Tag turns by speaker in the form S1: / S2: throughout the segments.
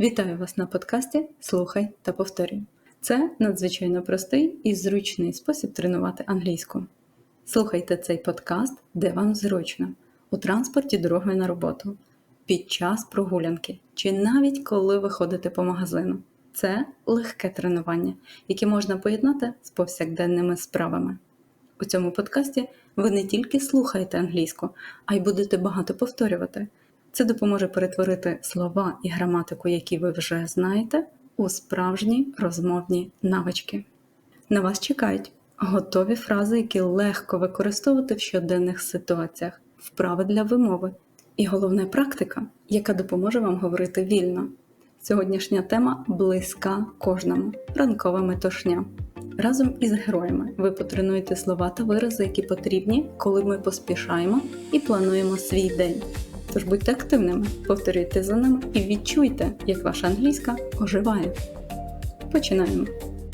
S1: Вітаю вас на подкасті «Слухай та повторюй». Це надзвичайно простий і зручний спосіб тренувати англійську. Слухайте цей подкаст, де вам зручно, у транспорті дорогою на роботу, під час прогулянки чи навіть коли ви ходите по магазину. Це легке тренування, яке можна поєднати з повсякденними справами. У цьому подкасті ви не тільки слухаєте англійську, а й будете багато повторювати. Це допоможе перетворити слова і граматику, які ви вже знаєте, у справжні розмовні навички. На вас чекають готові фрази, які легко використовувати в щоденних ситуаціях, вправи для вимови і головне практика, яка допоможе вам говорити вільно. Сьогоднішня тема близька кожному – ранкова метушня. Разом із героями ви потренуєте слова та вирази, які потрібні, коли ми поспішаємо і плануємо свій день. Тож будьте активними, повторюйте за нами і відчуйте, як ваша англійська оживає. Починаємо!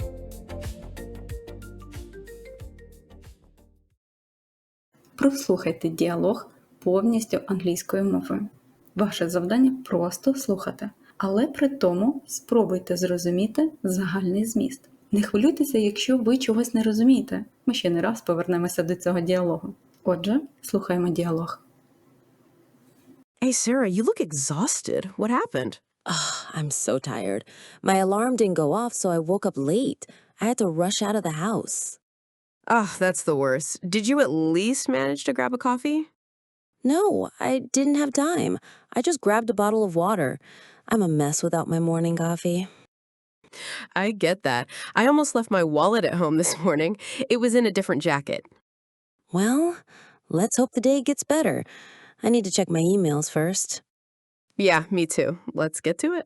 S1: Прослухайте діалог повністю англійською мовою. Ваше завдання – просто слухати, але при тому спробуйте зрозуміти загальний зміст. Не хвилюйтеся, якщо ви чогось не розумієте. Ми ще не раз повернемося до цього діалогу. Отже, слухаємо діалог.
S2: Hey, Sarah, you look exhausted. What happened?
S3: I'm so tired. My alarm didn't go off, so I woke up late. I had to rush out of the house.
S2: That's the worst. Did you at least manage to grab a coffee?
S3: No, I didn't have time. I just grabbed a bottle of water. I'm a mess without my morning coffee.
S2: I get that. I almost left my wallet at home this morning. It was in a different jacket.
S3: Well, let's hope the day gets better. I need to check my emails first.
S2: Yeah, me too. Let's get to it.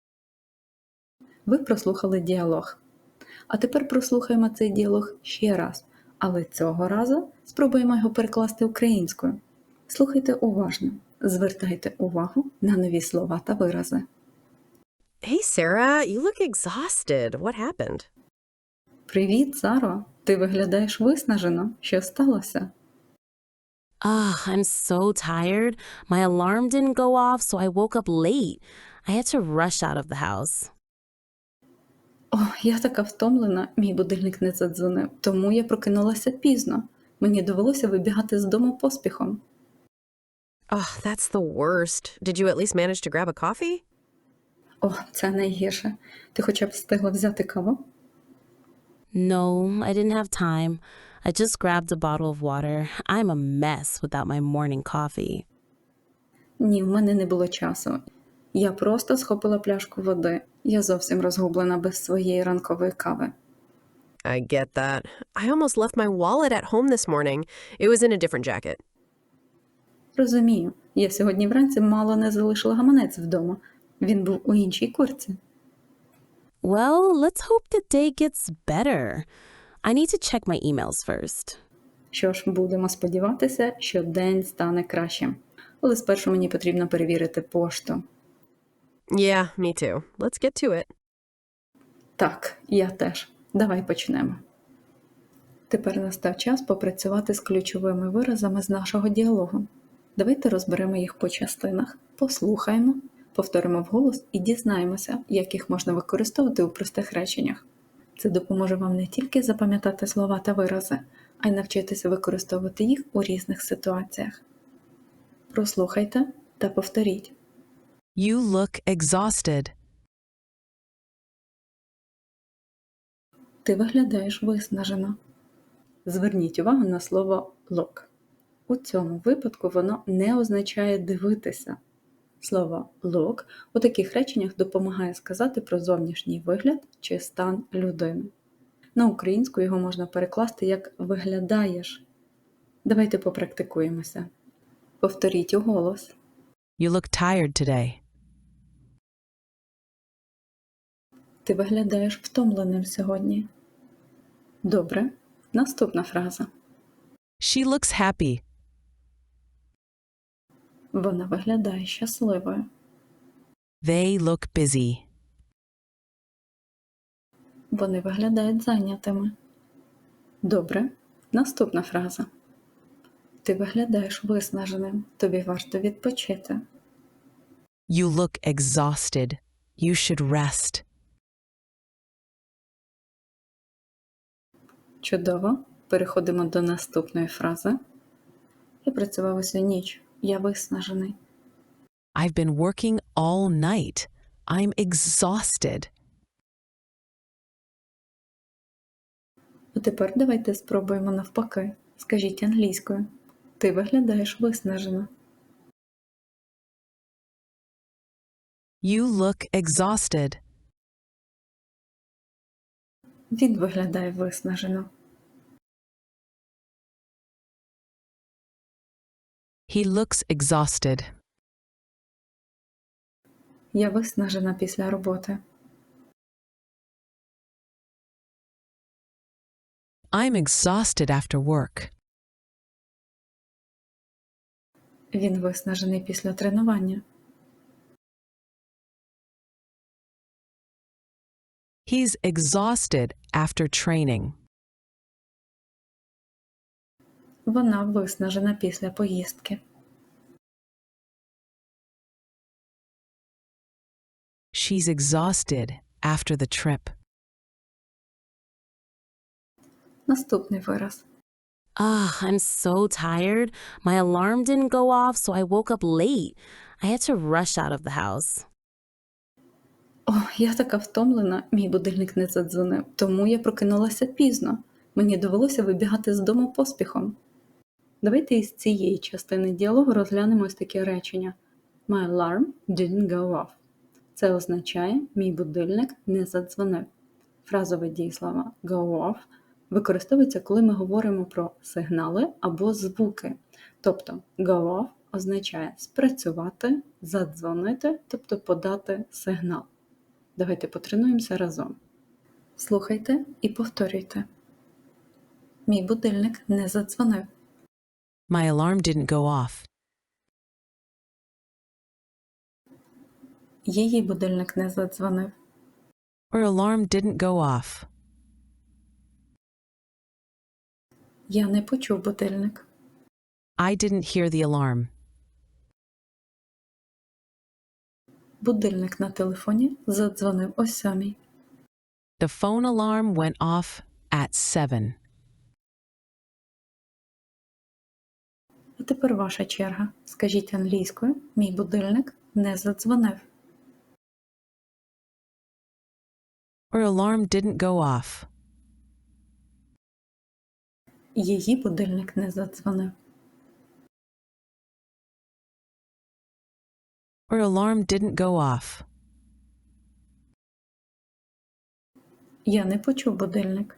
S1: Ви прослухали діалог. А тепер прослухаємо цей діалог ще раз, але цього разу спробуємо його перекласти українською. Слухайте уважно, звертайте увагу на нові слова та вирази.
S2: Hey, Sarah, you look exhausted. What happened?
S1: Привіт, Саро! Ти виглядаєш виснажено. Що сталося?
S3: I'm so tired. My alarm didn't go off, so I woke up late. I had to rush out of the house.
S1: О, я така втомлена, мій будильник не задзвонив, тому я прокинулася пізно. Мені довелося вибігати з дому поспіхом.
S2: That's the worst. Did you at least manage to grab a coffee?
S1: О, це найгірше. Ти хоча б встигла взяти каву?
S3: No, I didn't have time. I just grabbed a bottle of water. I'm a mess without my morning coffee.
S1: Ні, в мене не було часу. Я просто схопила пляшку води. Я зовсім розгублена без своєї ранкової кави.
S2: I get that. I almost left my wallet at home this morning. It was in a different jacket.
S1: Розумію. Я сьогодні вранці мало не залишила гаманець вдома. Він був у іншій куртці.
S3: Well, let's hope the day gets better. I need to check my emails first.
S1: Що ж, будемо сподіватися, що день стане кращим. Але спершу мені потрібно перевірити пошту.
S2: Yeah, me too. Let's get to it.
S1: Так, я теж. Давай почнемо. Тепер настав час попрацювати з ключовими виразами з нашого діалогу. Давайте розберемо їх по частинах, послухаємо, повторимо вголос і дізнаємося, як їх можна використовувати у простих реченнях. Це допоможе вам не тільки запам'ятати слова та вирази, а й навчитися використовувати їх у різних ситуаціях. Прослухайте та повторіть.
S4: You look exhausted.
S1: Ти виглядаєш виснажено. Зверніть увагу на слово look. У цьому випадку воно не означає дивитися. Слово look у таких реченнях допомагає сказати про зовнішній вигляд чи стан людини. На українську його можна перекласти як «виглядаєш». Давайте попрактикуємося. Повторіть уголос.
S4: You look tired today.
S1: Ти виглядаєш втомленим сьогодні. Добре. Наступна фраза.
S4: She looks happy.
S1: Вона виглядає щасливою.
S4: They look busy.
S1: Вони виглядають зайнятими. Добре. Наступна фраза. Ти виглядаєш виснаженим. Тобі варто відпочити.
S4: You look exhausted. You should rest.
S1: Чудово. Переходимо до наступної фрази. Я працював усю ніч. Я виснажений.
S4: I've been working all night. I'm exhausted.
S1: А тепер давайте спробуємо навпаки. Скажіть англійською. Ти виглядаєш виснажено.
S4: You look exhausted.
S1: Він виглядає виснажено.
S4: He looks exhausted.
S1: Я виснажена після роботи.
S4: I'm exhausted after work.
S1: Він виснажений після тренування.
S4: He's exhausted after training.
S1: Вона виснажена після поїздки.
S4: She's exhausted after the trip.
S1: Наступний вираз.
S3: I'm so tired. My alarm didn't go off, so I woke up late. I had to rush out of the house.
S1: О, я така втомлена, мій будильник не задзвонив, тому я прокинулася пізно. Мені довелося вибігати з дому поспіхом. Давайте із цієї частини діалогу розглянемо ось таке речення. My alarm didn't go off. Це означає, мій будильник не задзвонив. Фразове дієслово go off використовується, коли ми говоримо про сигнали або звуки. Тобто go off означає спрацювати, задзвонити, тобто подати сигнал. Давайте потренуємося разом. Слухайте і повторюйте. Мій будильник не задзвонив.
S4: My alarm didn't go off.
S1: Її будильник не задзвонив.
S4: Her alarm didn't go off.
S1: Я не почув будильник.
S4: I didn't hear the alarm.
S1: Будильник на телефоні задзвонив о 7.
S4: The phone alarm went off at 7.
S1: А тепер ваша черга. Скажіть англійською, мій будильник не задзвонив.
S4: Her alarm didn't go off.
S1: Її будильник не задзвонив.
S4: Her alarm didn't go off.
S1: Я не почув будильник.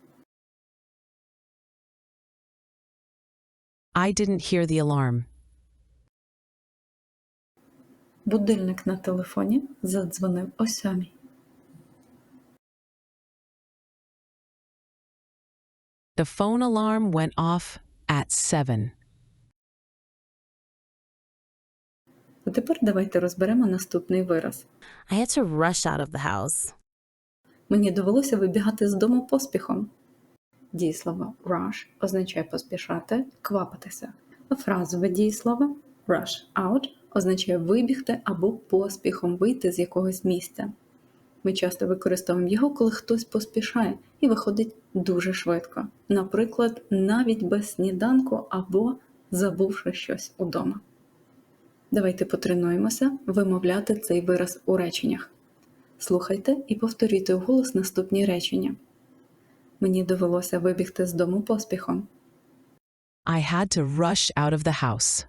S4: I didn't hear the alarm.
S1: Будильник на телефоні задзвонив о 7.
S4: The phone alarm went off at 7.
S1: А тепер давайте розберемо наступний вираз.
S3: I had to rush out of the house.
S1: Мені довелося вибігати з дому поспіхом. Дієслово rush означає поспішати, квапитися. А фразове дієслово rush out означає вибігти або поспіхом вийти з якогось місця. Ми часто використовуємо його, коли хтось поспішає і виходить дуже швидко. Наприклад, навіть без сніданку або забувши щось удома. Давайте потренуємося вимовляти цей вираз у реченнях. Слухайте і повторюйте вголос наступні речення. Мені довелося вибігти з дому поспіхом.
S4: I had to rush out of the house.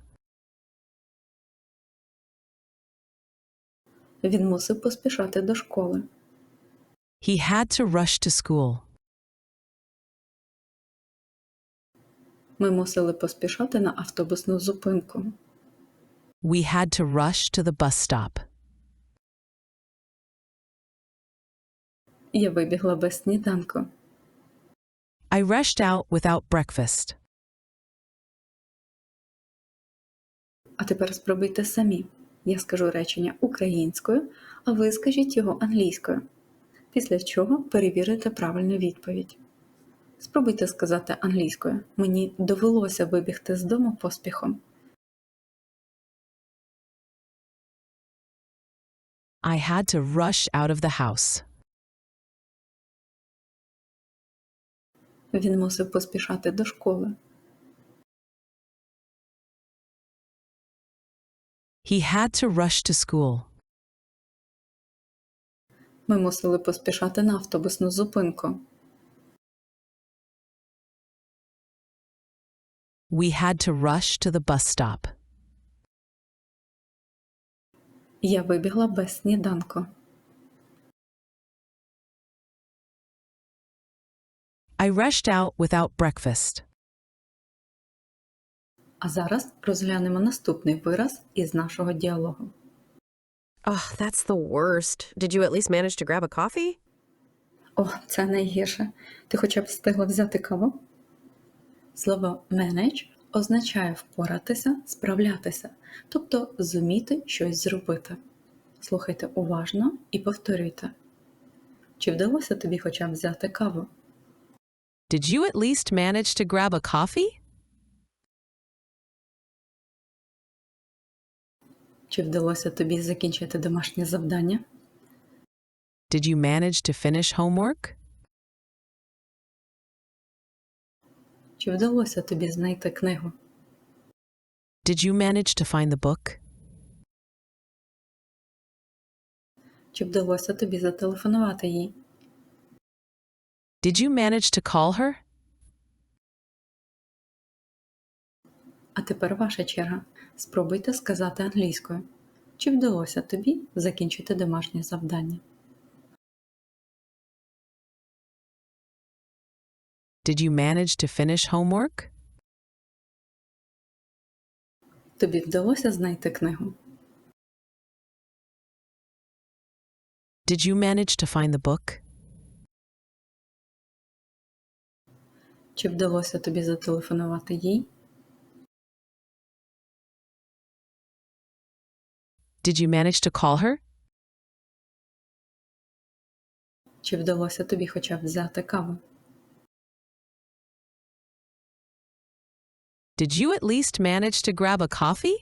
S1: Він мусив поспішати до школи.
S4: He had to rush to school.
S1: Ми мусили поспішати на автобусну зупинку.
S4: We had to rush to the bus stop.
S1: Я вибігла без сніданку.
S4: I rushed out without breakfast.
S1: А тепер спробуйте самі. Я скажу речення українською, а ви скажіть його англійською. Після чого перевірите правильну відповідь. Спробуйте сказати англійською. Мені довелося вибігти з дому поспіхом.
S4: I had to rush out of the house.
S1: Він мусив поспішати до школи.
S4: He had to rush to school.
S1: Ми мусили поспішати на автобусну зупинку.
S4: We had to rush to the bus stop.
S1: Я вибігла без сніданку.
S4: I rushed out without breakfast.
S1: А зараз розглянемо наступний вираз із нашого діалогу.
S2: Oh, that's the worst. Did you at least manage to grab a coffee?
S1: О, це найгірше. Ти хоча б встигла взяти каву? Слово «manage» означає впоратися, справлятися, тобто зуміти щось зробити. Слухайте уважно і повторюйте. Чи вдалося тобі хоча б взяти каву?
S4: Did you at least manage to grab a coffee?
S1: Чи вдалося тобі закінчити домашнє завдання?
S4: Did you manage to finish homework?
S1: Чи вдалося тобі знайти книгу?
S4: Did you manage to find the book?
S1: Чи вдалося тобі зателефонувати їй?
S4: Did you manage to call her?
S1: А тепер ваша черга. Спробуйте сказати англійською. Чи вдалося тобі закінчити домашнє завдання?
S4: Did you manage to finish homework?
S1: Тобі вдалося знайти книгу?
S4: Did you manage to find the book?
S1: Чи вдалося тобі зателефонувати їй?
S4: Did you manage to call her?
S1: Чи вдалося тобі хоча б взяти каву?
S4: Did you at least manage to grab a coffee?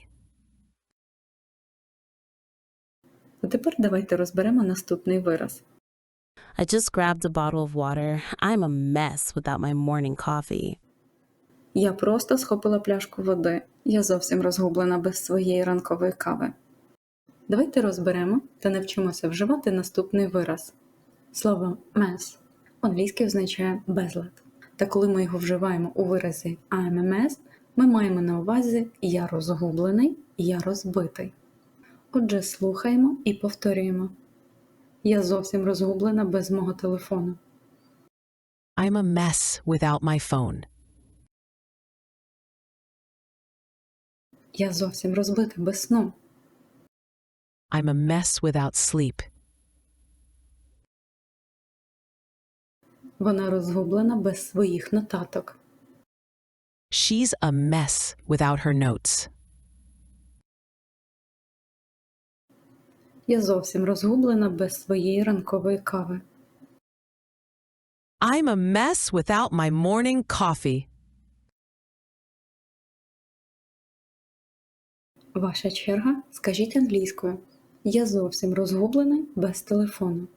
S1: А тепер давайте розберемо наступний вираз.
S3: I just grabbed a bottle of water. I'm a mess without my morning coffee.
S1: Я просто схопила пляшку води. Я зовсім розгублена без своєї ранкової кави. Давайте розберемо та навчимося вживати наступний вираз. Слово mess англійське означає безлад. Та коли ми його вживаємо у виразі I'm a mess, ми маємо на увазі я розгублений, я розбитий. Отже, слухаємо і повторюємо. Я зовсім розгублена без мого телефону.
S4: I'm a mess without my phone.
S1: Я зовсім розбита без сну.
S4: I'm a mess without sleep.
S1: Вона розгублена без своїх нотаток.
S4: She's a mess without her notes.
S1: Я зовсім розгублена без своєї ранкової кави.
S4: I'm a mess without my morning coffee.
S1: Ваша черга. Скажіть англійською. Я зовсім розгублений без телефону.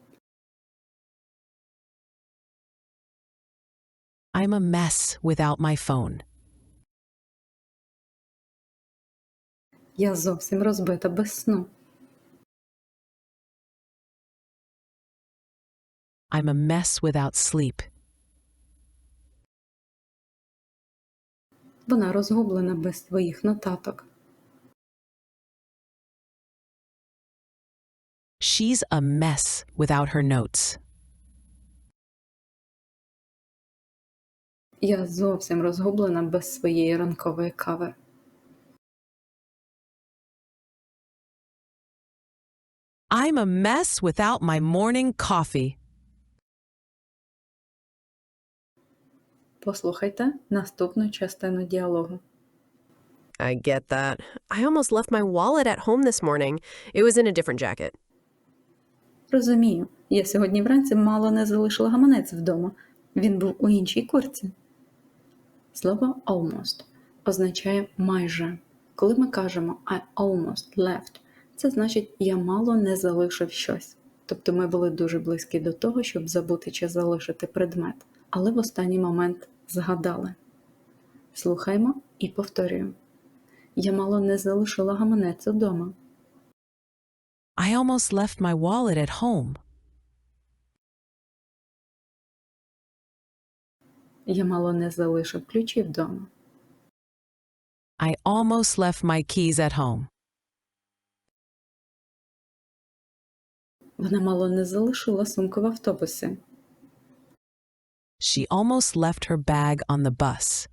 S4: I'm a mess without my phone.
S1: Я зовсім розбита без сну.
S4: I'm a mess without sleep.
S1: Вона розгублена без своїх нотаток.
S4: She's a mess without her notes.
S1: Я зовсім розгублена без своєї ранкової кави.
S4: I'm a mess without my morning coffee.
S1: Послухайте наступну частину діалогу.
S2: I get that. I almost left my wallet at home this morning. It was in a different jacket.
S1: Розумію, я сьогодні вранці мало не залишила гаманець вдома. Він був у іншій куртці. Слово almost означає майже. Коли ми кажемо I almost left, Це значить «я мало не залишив щось». Тобто ми були дуже близькі до того, щоб забути чи залишити предмет, але в останній момент згадали. Слухаймо і повторюємо. Я мало не залишила гаманець удома.
S4: I almost left my wallet at home.
S1: Я мало не залишив ключі вдома.
S4: I almost left my keys at home.
S1: Вона мало не залишила сумку в автобусі.
S4: She almost left her bag on the bus.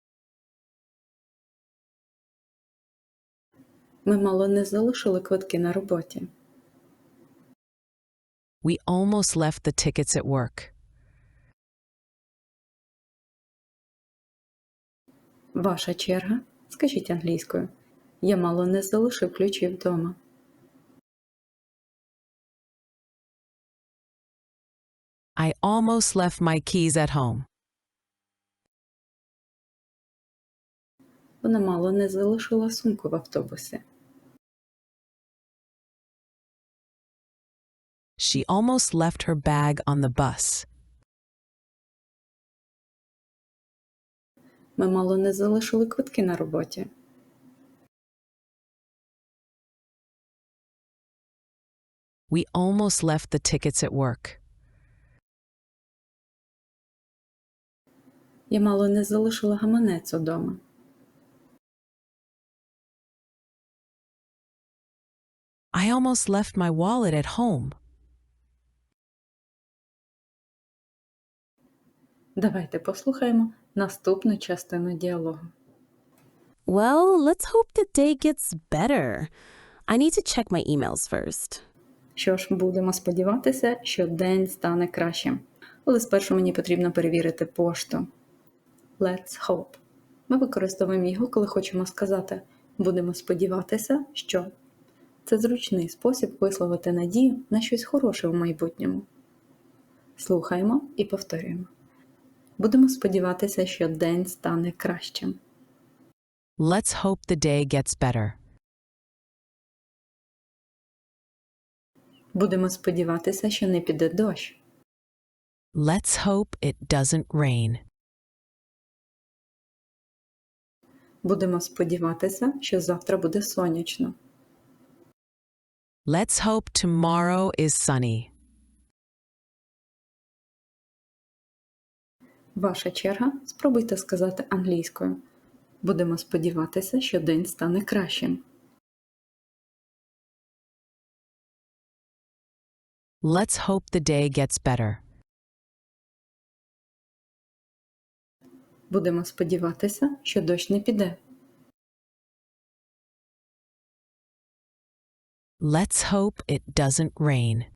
S1: Ми мало не залишили квитки на роботі.
S4: We almost left the tickets at work.
S1: Ваша черга. Скажіть англійською. Я мало не залишив ключі вдома.
S4: I almost left my keys at home.
S1: Вона мало не залишила сумку в автобусі.
S4: She almost left her bag on the bus.
S1: Ми мало не залишили квитки на роботі.
S4: We almost left the tickets at work.
S1: Я мало не залишила гаманець удома.
S4: I almost left my wallet at home.
S1: Давайте послухаємо наступну частину діалогу.
S3: Well, let's hope the day gets better. I need to check my emails first.
S1: Що ж, будемо сподіватися, що день стане кращим. Але спершу мені потрібно перевірити пошту. Let's hope. Ми використовуємо його, коли хочемо сказати «будемо сподіватися, що». Це зручний спосіб висловити надію на щось хороше в майбутньому. Слухаємо і повторюємо. Будемо сподіватися, що день стане кращим.
S4: Let's hope the day gets better.
S1: Будемо сподіватися, що не піде дощ.
S4: Let's hope it doesn't rain.
S1: Будемо сподіватися, що завтра буде сонячно.
S4: Let's hope tomorrow is sunny.
S1: Ваша черга. Спробуйте сказати англійською. Будемо сподіватися, що день стане кращим.
S4: Let's hope the day gets better.
S1: Будемо сподіватися, що дощ не піде.
S4: Let's hope it doesn't rain.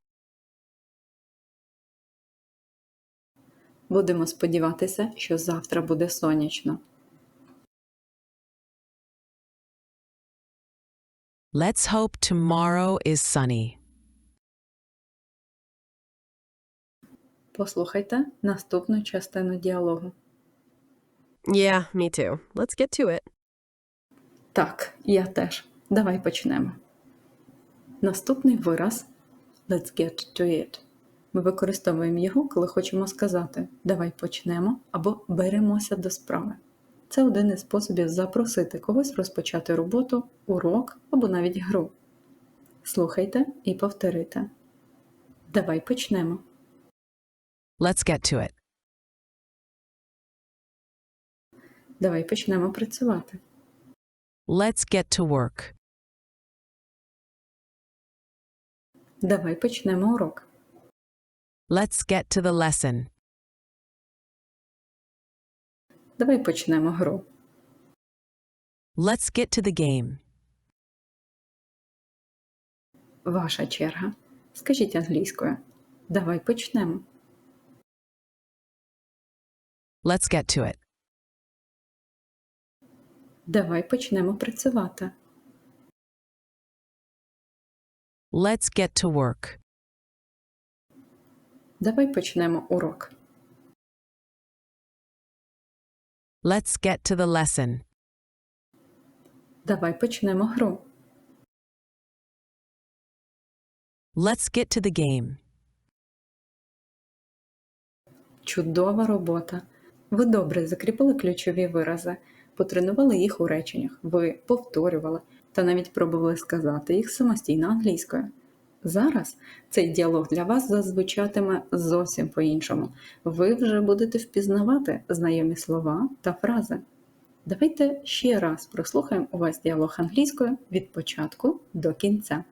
S1: Будемо сподіватися, що завтра буде сонячно.
S4: Let's hope tomorrow is sunny.
S1: Послухайте наступну частину діалогу.
S2: Yeah, me too. Let's get to it.
S1: Так, я теж. Давай почнемо. Наступний вираз «let's get to it». Ми використовуємо його, коли хочемо сказати «давай почнемо» або «беремося до справи». Це один із способів запросити когось розпочати роботу, урок або навіть гру. Слухайте і повторюйте. Давай почнемо.
S4: Let's get to it.
S1: Давай почнемо працювати.
S4: Let's get to work.
S1: Давай почнемо урок.
S4: Let's get to the lesson.
S1: Давай почнемо гру.
S4: Let's get to the game.
S1: Ваша черга. Скажіть англійською. Давай почнемо.
S4: Let's get to it.
S1: Давай почнемо працювати.
S4: Let's get to work.
S1: Давай почнемо урок.
S4: Let's get to the lesson.
S1: Давай почнемо гру.
S4: Let's get to the game.
S1: Чудова робота! Ви добре закріпили ключові вирази, потренували їх у реченнях, ви повторювали та навіть пробували сказати їх самостійно англійською. Зараз цей діалог для вас зазвучатиме зовсім по-іншому. Ви вже будете впізнавати знайомі слова та фрази. Давайте ще раз прослухаємо увесь діалог англійською від початку до кінця.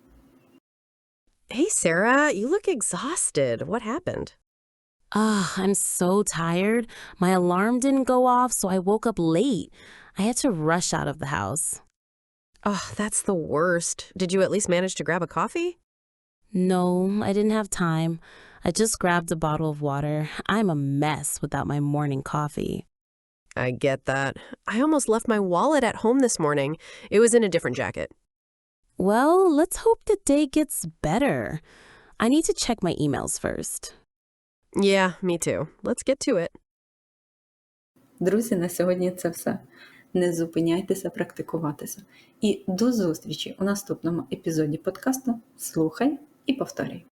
S2: Hey, Sarah, you look exhausted. What happened?
S3: I'm so tired. My alarm didn't go off, so I woke up late. I had to rush out of the house.
S2: Oh, that's the worst. Did you at least manage to grab a coffee?
S3: No, I didn't have time. I just grabbed a bottle of water. I'm a mess without my morning coffee.
S2: I get that. I almost left my wallet at home this morning. It was in a different jacket.
S3: Well, let's hope the day gets better. I need to check my emails first.
S2: Yeah, me too. Let's get to it.
S1: Друзі, на сьогодні це все. Не зупиняйтеся практикуватися. І до зустрічі у наступному епізоді подкасту «Слухай і повторюй».